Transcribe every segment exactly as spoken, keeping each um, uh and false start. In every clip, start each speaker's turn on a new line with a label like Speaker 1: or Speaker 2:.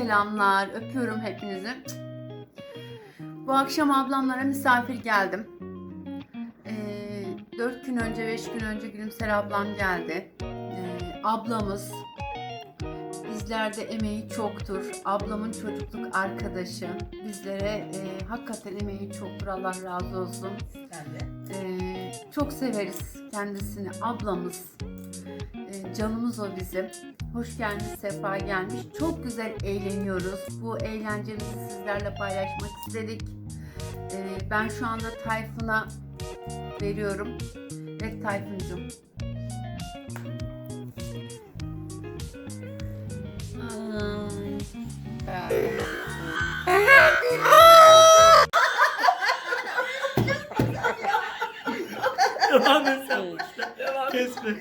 Speaker 1: selamlar. Öpüyorum hepinizi. Bu akşam ablamlara misafir geldim. Ee, dört gün önce, beş gün önce Gülümser ablam geldi. Ee, ablamız bizlerde emeği çoktur. Ablamın çocukluk arkadaşı. Bizlere e, hakikaten emeği çoktur. Allah razı olsun. Ee, çok severiz kendisini. Ablamız. Ee, canımız o bizim. Hoş gelmiş, sefa gelmiş. Çok güzel eğleniyoruz. Bu eğlencemizi sizlerle paylaşmak istedik. Ee, ben şu anda Tayfun'a veriyorum. Evet Tayfun'cum.
Speaker 2: Devam et sen. Devam Kesme.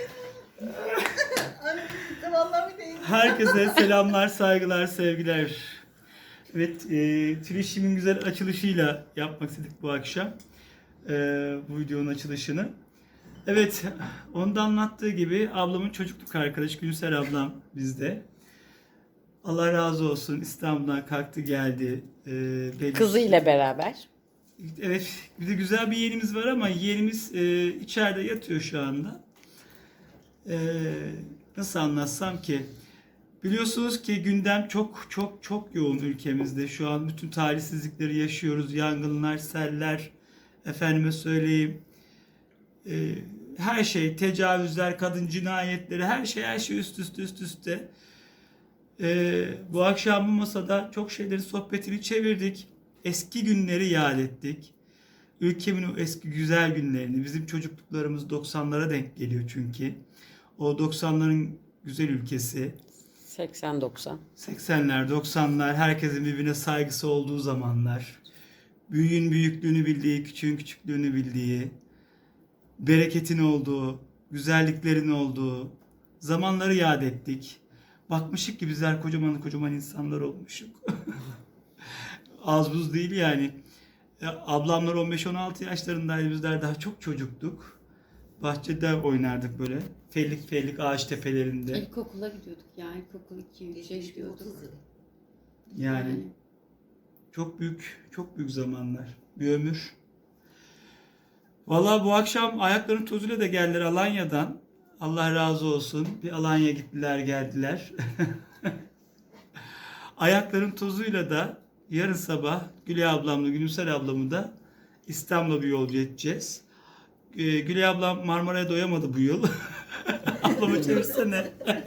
Speaker 2: Herkese selamlar, saygılar, sevgiler. Evet, e, Tülişim'in güzel açılışıyla yapmak istedik bu akşam. E, bu videonun açılışını. Evet, onda anlattığı gibi ablamın çocukluk arkadaşı Gülser ablam bizde. Allah razı olsun, İstanbul'dan kalktı geldi. E, belli-
Speaker 3: Kızıyla beraber.
Speaker 2: Evet, bir de güzel bir yeğenimiz var ama yeğenimiz e, içeride yatıyor şu anda. E, nasıl anlatsam ki? Biliyorsunuz ki gündem çok çok çok yoğun ülkemizde. Şu an bütün talihsizlikleri yaşıyoruz. Yangınlar, seller, efendime söyleyeyim. E, her şey, tecavüzler, kadın cinayetleri, her şey her şey üst üste üst üste. E, bu akşam bu masada çok şeylerin sohbetini çevirdik. Eski günleri yad ettik. Ülkemin o eski güzel günlerini, bizim çocukluklarımız doksanlara denk geliyor çünkü. O doksanların güzel ülkesi.
Speaker 3: seksen doksan.
Speaker 2: seksenler, doksanlar, herkesin birbirine saygısı olduğu zamanlar. Büyüğün büyüklüğünü bildiği, küçüğün küçüklüğünü bildiği, bereketin olduğu, güzelliklerin olduğu zamanları yad ettik. Bakmışık ki bizler kocaman kocaman insanlar olmuşuk. Az buz değil yani. Ablamlar on beş on altı yaşlarındaydı. Bizler daha çok çocuktuk. Bahçede oynardık böyle. Fellik fellik ağaç tepelerinde.
Speaker 1: İlkokula gidiyorduk ya. İlkokul iki üçe gidiyorduk.
Speaker 2: Yani çok büyük, çok büyük zamanlar. Bir ömür. Vallahi bu akşam ayaklarının tozuyla da geldiler Alanya'dan. Allah razı olsun. Bir Alanya gittiler geldiler. Ayakların tozuyla da yarın sabah Gülay ablamla Gülümser ablamı da İstanbul'a bir yolcu edeceğiz. Ee, Gülay ablam Marmara'ya doyamadı bu yıl. Ablamı çevirsene.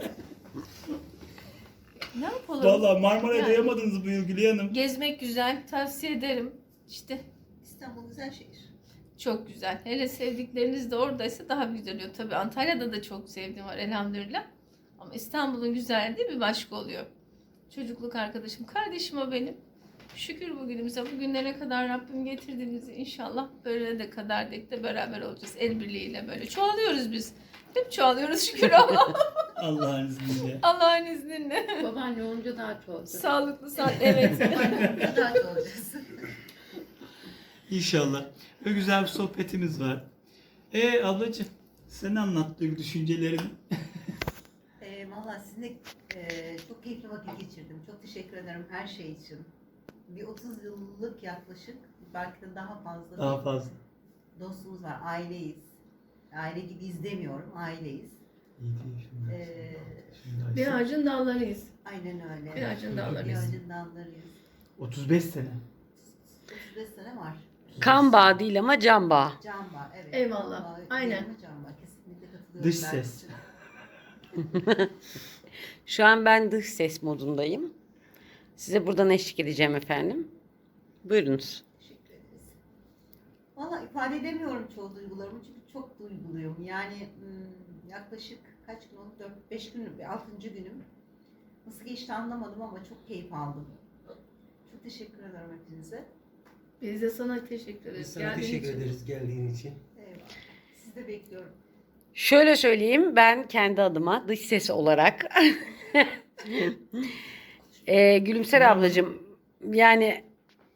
Speaker 4: Ne yapalım?
Speaker 2: Vallahi Marmara'ya
Speaker 4: Yani
Speaker 2: doyamadınız bu yıl Gülay Hanım.
Speaker 4: gezmek güzel, tavsiye ederim. İşte
Speaker 5: İstanbul güzel şehir.
Speaker 4: çok güzel. Hele sevdikleriniz de oradaysa daha güzel oluyor. Tabii Antalya'da da çok sevdiğim var elhamdülillah. Ama İstanbul'un güzelliği bir başka oluyor. Çocukluk arkadaşım, kardeşim o benim. Şükür bugünümüze, bugünlere kadar Rabbim getirdiğimizi inşallah böyle de kadar dek de beraber olacağız. El birliğiyle böyle çoğalıyoruz biz. Hep çoğalıyoruz şükür ama
Speaker 2: Allah'ın izniyle.
Speaker 4: Allah'ın izniyle.
Speaker 1: Babaanne olunca daha çok.
Speaker 4: Sağlıklı, sağlıklı. Evet.
Speaker 5: Daha çok olacağız.
Speaker 2: İnşallah. Ve güzel bir sohbetimiz var. E ablacığım sen anlat duygu düşüncelerini.
Speaker 5: E, Valla sizinle e, çok keyifli vakit geçirdim. Çok teşekkür ederim her şey için. Bir otuz yıllık yaklaşık, belki de daha fazla
Speaker 2: Daha
Speaker 5: bir
Speaker 2: fazla.
Speaker 5: dostumuz var. Aileyiz. Aile gibi izlemiyorum. Aileyiz. E,
Speaker 4: Bir ağacın dallarıyız.
Speaker 5: aynen öyle.
Speaker 4: Bir ağacın
Speaker 5: Bir
Speaker 4: dallarıyız.
Speaker 5: ağacın dallarıyız.
Speaker 2: otuz beş sene.
Speaker 5: otuz beş sene var.
Speaker 3: Kan bağı değil ama can bağı.
Speaker 5: Can var. Evet.
Speaker 4: Eyvallah,
Speaker 5: Can var,
Speaker 4: aynen.
Speaker 5: Can var. Kesinlikle katılıyorum.
Speaker 2: Dış
Speaker 5: ben.
Speaker 2: ses.
Speaker 3: Şu an ben dış ses modundayım. Size buradan eşlik edeceğim efendim. Buyurunuz.
Speaker 5: Teşekkür ederiz. Valla ifade edemiyorum çoğu duygularımı çünkü çok duyguluyum. Yani hmm, yaklaşık kaç gün oldu? dört beş gün, altıncı günüm. Nasıl geçti anlamadım ama çok keyif aldım. Çok teşekkür ederim hepinize.
Speaker 4: Biz de sana teşekkür ederiz.
Speaker 6: Biz sana
Speaker 4: Geldiğin
Speaker 6: teşekkür
Speaker 4: için.
Speaker 6: ederiz geldiğin için.
Speaker 5: Eyvallah. Sizi de bekliyorum.
Speaker 3: Şöyle söyleyeyim, ben kendi adıma dış ses olarak Ee, Gülümser ablacığım, yani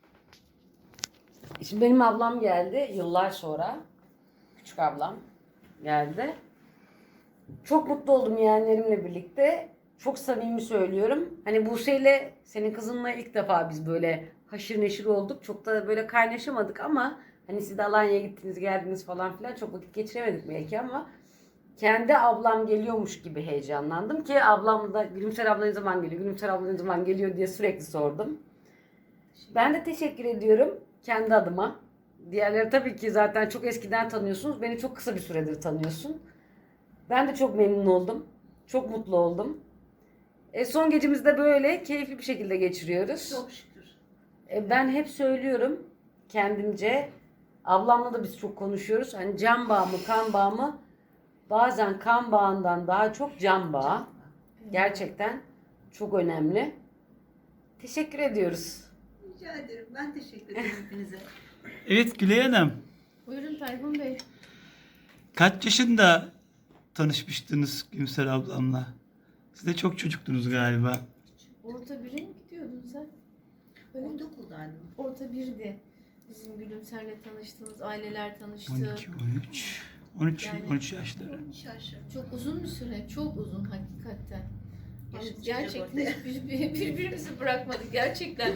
Speaker 3: şimdi benim ablam geldi yıllar sonra, küçük ablam geldi. Çok mutlu oldum yeğenlerimle birlikte. Çok samimi söylüyorum. Hani Buse'yle senin kızınla ilk defa biz böyle haşır neşir olduk. Çok da böyle kaynaşamadık ama hani siz de Alanya'ya gittiniz geldiniz falan filan çok vakit geçiremedik belki ama kendi ablam geliyormuş gibi heyecanlandım ki ablam da Gülümser abla ne zaman geliyor, Gülümser abla ne zaman geliyor diye sürekli sordum. Ben de teşekkür ediyorum kendi adıma. Diğerleri tabii ki zaten çok eskiden tanıyorsunuz. Beni çok kısa bir süredir tanıyorsun. Ben de çok memnun oldum. Çok mutlu oldum. E, son gecemizde böyle keyifli bir şekilde geçiriyoruz.
Speaker 5: Çok şükür.
Speaker 3: E, ben hep söylüyorum kendimce. Ablamla da biz çok konuşuyoruz. Hani can bağı mı kan bağı mı? Bazen kan bağından daha çok can bağı. Gerçekten çok önemli. Teşekkür ediyoruz.
Speaker 5: Rica ederim. Ben teşekkür ederim hepinize.
Speaker 2: Evet Gülay Hanım.
Speaker 4: Buyurun Tayfun Bey.
Speaker 2: Kaç yaşında tanışmıştınız Gülümser ablamla? Siz de çok çocuktunuz galiba.
Speaker 4: Orta bire mi gidiyordun sen? Öyle mi?
Speaker 5: Ortaokuldaydım.
Speaker 4: Orta birdi. Bizim Gülümser'le tanıştığımız aileler tanıştı.
Speaker 2: on iki, on üç. on üç,
Speaker 4: Yani-
Speaker 2: on üç yaşları.
Speaker 5: Şaşırdım.
Speaker 4: Çok uzun bir süre, çok uzun hakikaten. Yani
Speaker 5: Yaşımız
Speaker 4: gerçekten
Speaker 5: çıkacak
Speaker 4: hiç bir- bir- birbirimizi bırakmadık gerçekten.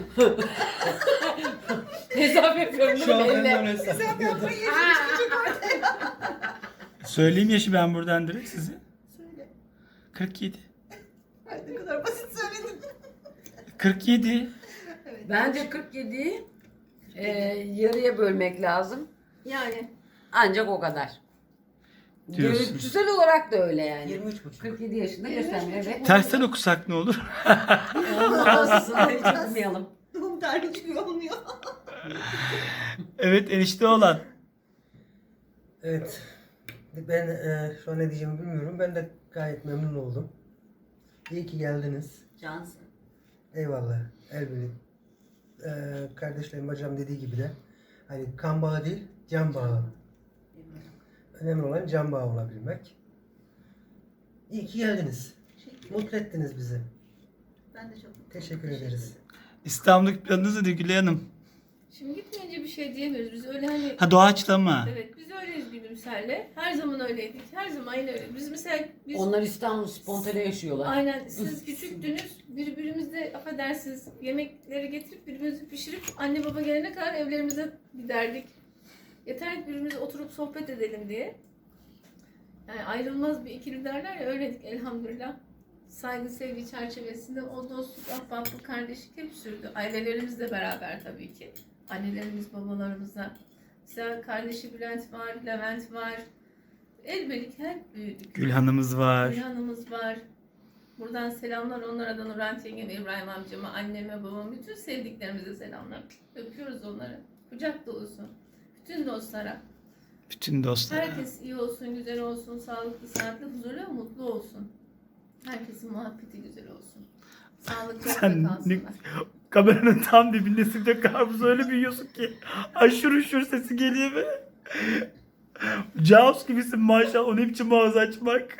Speaker 3: Hesap yapıyorum değil mi? Elle.
Speaker 5: Sen yapmayı yaşımız küçük ortaya.
Speaker 2: Söyleyeyim yaşı ben buradan direkt size.
Speaker 5: Söyle.
Speaker 2: kırk yedi.
Speaker 5: Ay ne kadar basit söyledin.
Speaker 2: kırk yedi.
Speaker 5: Evet.
Speaker 3: Bence kırk yediyi e, yarıya bölmek lazım.
Speaker 4: Yani
Speaker 3: Ancak o kadar.
Speaker 2: Diyorsun.
Speaker 3: Görüntüsel olarak da öyle yani.
Speaker 6: yirmi üç buçuk.
Speaker 3: kırk yedi yaşında göstermiyor. Evet.
Speaker 2: Tersten okusak ne olur?
Speaker 3: Olmasın. Hiç yapmayalım.
Speaker 5: Doğum tarihi çıkıyor olmuyor.
Speaker 2: Evet enişte olan.
Speaker 6: Evet. Ben e, şu an ne diyeceğimi bilmiyorum. Ben de gayet memnun oldum. İyi ki geldiniz.
Speaker 5: Cansın.
Speaker 6: Eyvallah. Elbette. E, kardeşlerim bacım dediği gibi de hani kan bağı değil, can bağı. Önemli olan can bağı olabilmek. İyi ki geldiniz. Mutlu ettiniz bizi.
Speaker 5: Ben de çok mutluyum.
Speaker 6: Teşekkür ederiz.
Speaker 2: İstanbul'daki planınız nedir Gülay Hanım?
Speaker 4: şimdi gitmeyince bir şey diyemiyoruz. Biz öyle hani
Speaker 2: Ha doğaçlama.
Speaker 4: evet biz öyleyiz Gülümser'le. Her zaman öyleydik. Her zaman yine öyle. Biz mesela biz
Speaker 3: Onlar İstanbul spontane yaşıyorlar.
Speaker 4: aynen siz küçüktünüz. Birbirimizle affedersiniz yemekleri getirip birbirimizi pişirip anne baba gelene kadar evlerimize giderdik. Yeter ki birbirimize oturup sohbet edelim diye. Yani ayrılmaz bir ikili derler ya öyledik elhamdülillah. Saygı sevgi çerçevesinde o dostluk, ahbaplık, kardeşlik hep sürdü. Ailelerimizle beraber tabii ki. Annelerimiz, babalarımızla. Mesela kardeşi Bülent var, Levent var. Elbette hep büyüdük.
Speaker 2: Gülhan'ımız var.
Speaker 4: Gülhan'ımız var. Buradan selamlar onlara da Nurhan yengeme, İbrahim amcama, anneme, babama, bütün sevdiklerimize selamlar. Öpüyoruz onları. Kucak dolusu. Bütün dostlara.
Speaker 2: Bütün dostlar.
Speaker 4: Herkes iyi olsun, güzel olsun, sağlıklı, sıhhatli, huzurlu ve mutlu olsun. Herkesin muhabbeti güzel olsun. Sağlıklı
Speaker 2: Sen
Speaker 4: da kalsınlar.
Speaker 2: Kameranın tam dibindesin de karpuz öyle büyüyorsun ki. Aşırı uşur sesi geliyor böyle. Jaws gibisin maşallah. O ne biçim ağız açmak.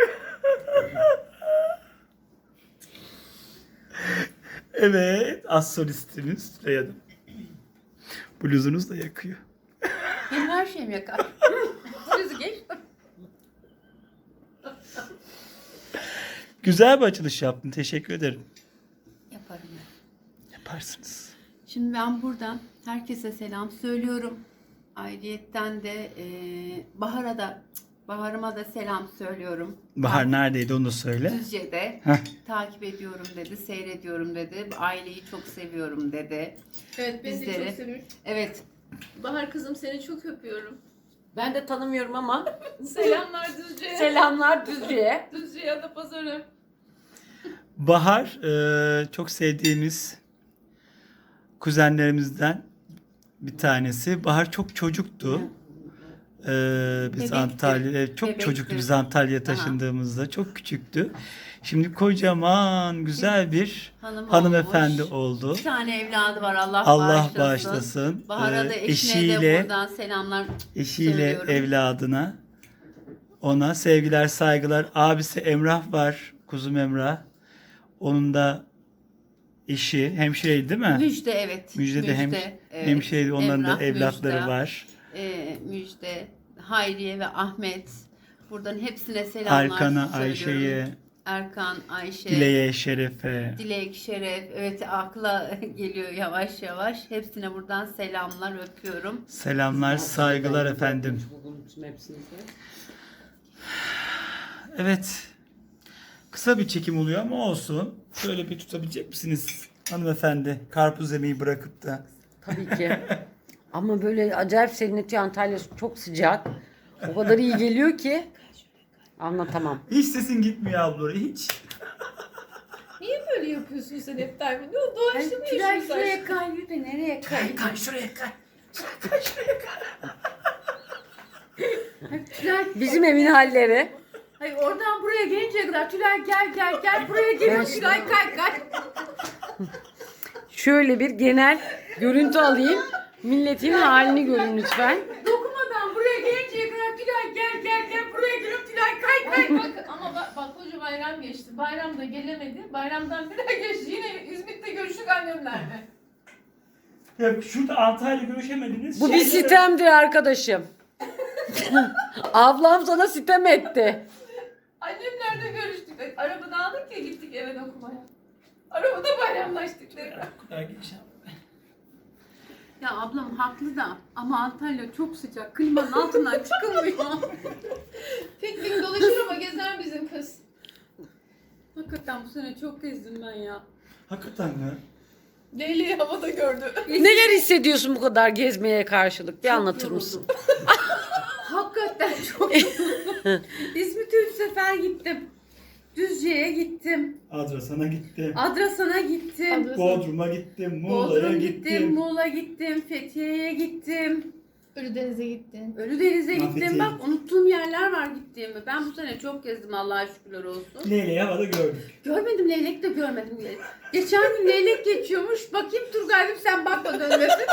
Speaker 2: Evet. Az solistimiz Süreyya Hanım. Bluzunuz da yakıyor.
Speaker 1: Benim her şeyim yakar. Siz geç.
Speaker 2: Güzel bir açılış yaptın. Teşekkür ederim.
Speaker 1: Yaparım ben.
Speaker 2: Yaparsınız.
Speaker 1: Şimdi ben buradan herkese selam söylüyorum. Ayrıyetten de e, Bahar'a da Bahar'ıma da selam söylüyorum.
Speaker 2: Bahar neredeydi onu da söyle.
Speaker 1: Düzce'de
Speaker 2: Heh.
Speaker 1: takip ediyorum dedi, seyrediyorum dedi. Aileyi çok seviyorum dedi.
Speaker 4: Evet, ben de
Speaker 1: Bizleri.
Speaker 4: çok seviyorum.
Speaker 1: Evet,
Speaker 4: Bahar kızım seni çok öpüyorum.
Speaker 3: Ben de tanımıyorum ama
Speaker 4: Selamlar Düzce'ye.
Speaker 3: selamlar Düzce'ye.
Speaker 4: Düzce'ye ya da pazarı.
Speaker 2: Bahar e, çok sevdiğimiz kuzenlerimizden bir tanesi. Bahar çok çocuktu. E, biz
Speaker 1: Bebekti.
Speaker 2: Antalya çok
Speaker 1: Bebekti.
Speaker 2: çocuktu biz Antalya'ya taşındığımızda. Çok küçüktü. Şimdi kocaman güzel bir
Speaker 1: hanım
Speaker 2: hanımefendi
Speaker 1: olmuş.
Speaker 2: oldu.
Speaker 1: Bir tane evladı var, Allah,
Speaker 2: Allah
Speaker 1: bağışlasın.
Speaker 2: bağışlasın.
Speaker 1: Bahar'a da
Speaker 2: Ee,
Speaker 1: eşine de
Speaker 2: eşiyle
Speaker 1: buradan selamlar
Speaker 2: eşiyle
Speaker 1: söylüyorum.
Speaker 2: evladına ona sevgiler saygılar. Abisi Emrah var. Kuzum Emrah. Onun da eşi hemşireydi değil mi?
Speaker 1: Müjde evet.
Speaker 2: Müjde de hem,
Speaker 1: evet.
Speaker 2: hemşireydi. Onların
Speaker 1: Emrah,
Speaker 2: da evlatları
Speaker 1: Müjde,
Speaker 2: var.
Speaker 1: E, Müjde, Hayriye ve Ahmet. Buradan hepsine selamlar
Speaker 2: Arkan'a,
Speaker 1: söylüyorum.
Speaker 2: Ayşe'ye,
Speaker 1: Erkan, Ayşe,
Speaker 2: Dileğe, Şerefe.
Speaker 1: Dilek, Şeref. Evet, akla geliyor yavaş yavaş. Hepsine buradan selamlar, öpüyorum.
Speaker 2: Selamlar, saygılar efendim. Evet. Kısa bir çekim oluyor ama olsun. Şöyle bir tutabilecek misiniz hanımefendi? Karpuz yemeği bırakıp da.
Speaker 3: Tabii ki. Ama böyle acayip serinletiyor, Antalya çok sıcak. O kadar iyi geliyor ki anlatamam.
Speaker 2: Hiç sesin gitmiyor abla, hiç.
Speaker 4: Niye böyle yapıyorsun sen hep Dervin? Ne oldu? Doğaçta mı
Speaker 1: Tülay
Speaker 4: yaşıyorsun
Speaker 1: şuraya
Speaker 4: aşkım?
Speaker 1: kayıyor da nereye kayıyor?
Speaker 2: Kay şuraya kay.
Speaker 1: Tülay,
Speaker 3: Bizim evin halleri.
Speaker 1: hayır, oradan buraya gelinceye kadar Tülay gel gel gel buraya geliyor.
Speaker 3: Ben-
Speaker 1: Tülay kay kay.
Speaker 3: Şöyle bir genel görüntü alayım. Milletin halini görün lütfen.
Speaker 1: Dokunmadan buraya gelinceye kadar Tülay gel gel gel buraya geliyor. Tülay kay kay.
Speaker 4: Bak ama bak, bak koca bayram geçti. Bayramda gelemedi. Bayramdan bir ay geçti. Yine İzmit'te görüştük annemlerle.
Speaker 2: Ya şurada Antalya'yla görüşemediniz.
Speaker 3: Bu bir
Speaker 2: Şeyde-
Speaker 3: sitemdir arkadaşım. Ablam sana sitem etti.
Speaker 4: Annemlerle görüştük. Arabadan aldık ya gittik eve okumaya. Arabada bayramlaştık tekrar.
Speaker 2: Bu kadar geçeceğim.
Speaker 1: Ya ablam haklı da ama Antalya çok sıcak. Klimanın altından çıkılmıyor.
Speaker 4: Piknik dolaşır ama gezer bizim kız.
Speaker 1: Hakikaten bu sene çok gezdim ben ya.
Speaker 2: Hakikaten mi?
Speaker 4: Leyli'yi havada gördü.
Speaker 3: Neler hissediyorsun bu kadar gezmeye karşılık? Bir anlatır mısın?
Speaker 1: Hakikaten çok yoruldum. İzmit'e üç sefer gittim. Düzce'ye gittim.
Speaker 2: Adrasan'a gittim.
Speaker 1: Adrasan'a gittim.
Speaker 4: Adrasan.
Speaker 2: Bodrum'a gittim. Muğla'ya
Speaker 1: Bodrum
Speaker 2: gittim.
Speaker 1: gittim, Muğla gittim, Fethiye'ye gittim.
Speaker 4: Ölüdeniz'e gittin.
Speaker 1: Ölüdeniz'e
Speaker 2: Ha,
Speaker 1: gittim.
Speaker 2: Fethiye'ye
Speaker 1: Bak
Speaker 2: gittim.
Speaker 1: unuttuğum yerler var gittiğimi. Ben bu sene çok gezdim Allah'a şükürler olsun.
Speaker 2: Leyle'yi havada gördük.
Speaker 1: Görmedim, leylek de görmedim. Geçen gün leylek geçiyormuş. Bakayım Turgay'ım sen bakma dönmesin.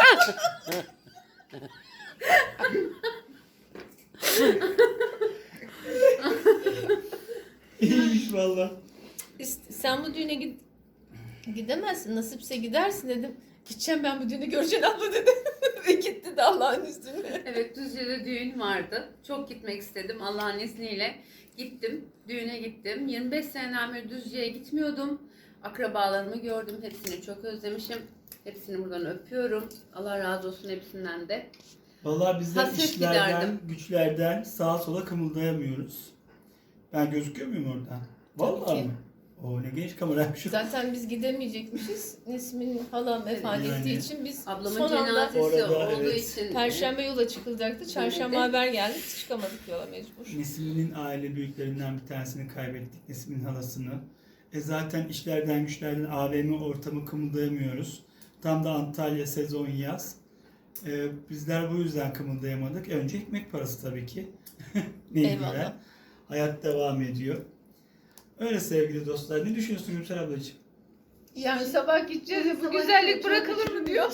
Speaker 2: İyiymiş valla.
Speaker 4: İst- Sen bu düğüne gid gidemezsin. Nasipse gidersin dedim. Gideceğim ben bu düğünü göreceğim abla dedi. Ve gitti de Allah'ın izniyle.
Speaker 1: Evet, Düzce'de düğün vardı. Çok gitmek istedim Allah'ın izniyle. Gittim, düğüne gittim. yirmi beş seneden beri Düzce'ye gitmiyordum. Akrabalarımı gördüm, hepsini çok özlemişim. Hepsini buradan öpüyorum. Allah razı olsun hepsinden de.
Speaker 2: Valla bizler
Speaker 1: Hasret
Speaker 2: işlerden,
Speaker 1: giderdim.
Speaker 2: güçlerden sağa sola kımıldayamıyoruz. Ben gözüküyor muyum oradan? Vallahi
Speaker 4: ki.
Speaker 2: mi? O ne genç kameraymış.
Speaker 4: Zaten biz gidemeyecekmişiz. Nesmin halam vefat
Speaker 2: Yani.
Speaker 4: ettiği için biz
Speaker 1: Ablamın
Speaker 4: son anda
Speaker 1: cenazesi
Speaker 2: Orada,
Speaker 1: olduğu
Speaker 2: evet.
Speaker 1: için.
Speaker 4: Perşembe yola çıkılacaktı. Çarşamba
Speaker 1: Evet.
Speaker 4: haber geldi. Çıkamadık yola mecbur.
Speaker 2: Nesmin'in aile büyüklerinden bir tanesini kaybettik. Nesmin'in halasını. E zaten işlerden güçlerden A V M ortamı kımıldayamıyoruz. Tam da Antalya sezon yaz. E, bizler bu yüzden kımıldayamadık. Önce ekmek parası tabii ki.
Speaker 4: Eyvallah.
Speaker 2: Mecburen. Hayat devam ediyor. Öyle sevgili dostlar. Ne düşünüyorsun Gülsel ablacığım?
Speaker 4: Yani sabah gideceğiz ya bu güzellik bırakılır mı diyor.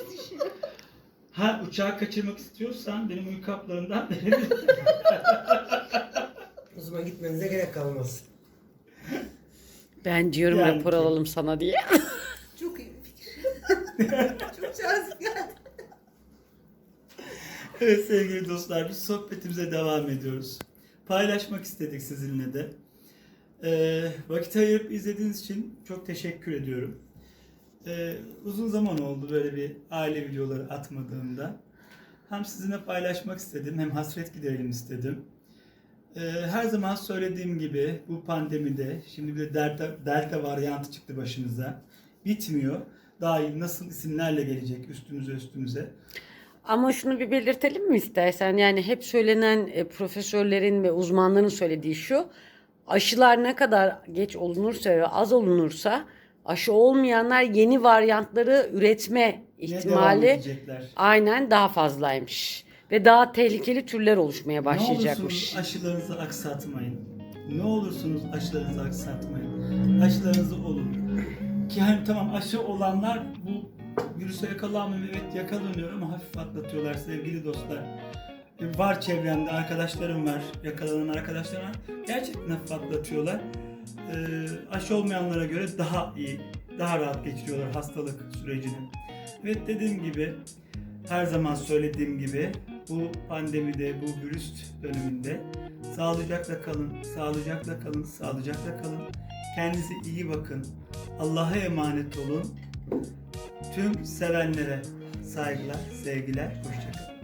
Speaker 2: Ha uçağı kaçırmak istiyorsan benim uyku haplarından verebilirim.
Speaker 6: O zaman gitmenize gerek kalmaz.
Speaker 3: Ben diyorum
Speaker 2: Yani.
Speaker 3: rapor alalım sana diye.
Speaker 5: Çok iyi bir fikir. Çok cazip geldi.
Speaker 2: Evet sevgili dostlar, biz sohbetimize devam ediyoruz. Paylaşmak istedik sizinle de. Ee, vakit ayırıp izlediğiniz için çok teşekkür ediyorum. Ee, uzun zaman oldu böyle bir aile videoları atmadığımda. Hem sizinle paylaşmak istedim, hem hasret giderelim istedim. Ee, her zaman söylediğim gibi bu pandemide, şimdi bir de delta, delta varyantı çıktı başımıza. Bitmiyor. Daha iyi nasıl isimlerle gelecek üstümüze üstümüze.
Speaker 3: Ama şunu bir belirtelim mi istersen? Yani hep söylenen e, profesörlerin ve uzmanların söylediği şu. Aşılar ne kadar geç olunursa ve az olunursa aşı olmayanlar yeni varyantları üretme
Speaker 2: Yine devam
Speaker 3: ihtimali
Speaker 2: edecekler.
Speaker 3: aynen daha fazlaymış. Ve daha tehlikeli türler oluşmaya
Speaker 2: Ne
Speaker 3: başlayacakmış.
Speaker 2: olursunuz aşılarınızı aksatmayın. Ne olursunuz aşılarınızı aksatmayın. Aşılarınızı olun. Ki hani tamam aşı olanlar bu virüse yakalanmıyor. Evet yakalanıyor ama hafif atlatıyorlar sevgili dostlar. E, Var çevremde arkadaşlarım var. Yakalanan arkadaşlarım var. Gerçekten hafif atlatıyorlar. Ee, aşı olmayanlara göre daha iyi, daha rahat geçiriyorlar hastalık sürecini. Evet dediğim gibi, her zaman söylediğim gibi bu pandemide, bu virüs döneminde sağlıcakla kalın, sağlıcakla kalın, sağlıcakla kalın. Kendinize iyi bakın. Allah'a emanet olun. Tüm sevenlere saygılar, sevgiler, hoşça kalın.